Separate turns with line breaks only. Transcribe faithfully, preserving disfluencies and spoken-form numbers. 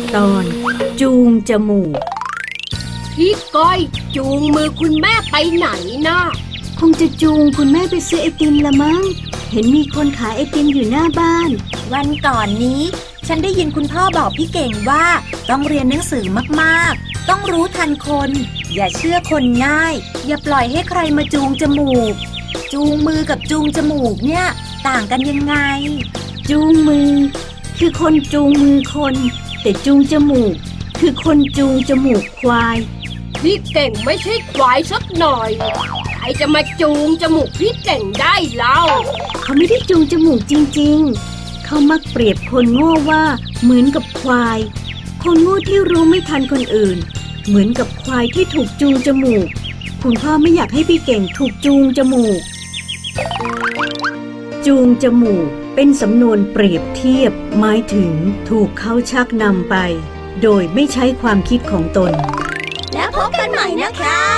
ตอนจูงจมูก
พี่ก้อยจูงมือคุณแม่ไปไหนนะ
คงจะจูงคุณแม่ไปซื้อไอติมละมั้งเห็นมีคนขายไอติมอยู่หน้าบ้าน
วันก่อนนี้ฉันได้ยินคุณพ่อบอกพี่เก่งว่าต้องเรียนหนังสือมากๆต้องรู้ทันคนอย่าเชื่อคนง่ายอย่าปล่อยให้ใครมาจูงจมูกจูงมือกับจูงจมูกเนี่ยต่างกันยังไง
จูงมือคือคนจูงมือคนแต่จูงจมูกคือคนจูงจมูกควาย
พี่เก่งไม่ใช่ควายสักหน่อยใครจะมาจูงจมูกพี่เก่งได้เล่า
เขาไม่ได้จูงจมูกจริงๆเขามักเปรียบคนโง่ว่าเหมือนกับควายคนโง่ที่รู้ไม่ทันคนอื่นเหมือนกับควายที่ถูกจูงจมูกคุณพ่อไม่อยากให้พี่เก่งถูกจูงจมูกจูงจมูกเป็นสำนวนเปรียบเทียบหมายถึงถูกเขาชักนำไปโดยไม่ใช้ความคิดของตน
แล้วพบกันใหม่นะคะ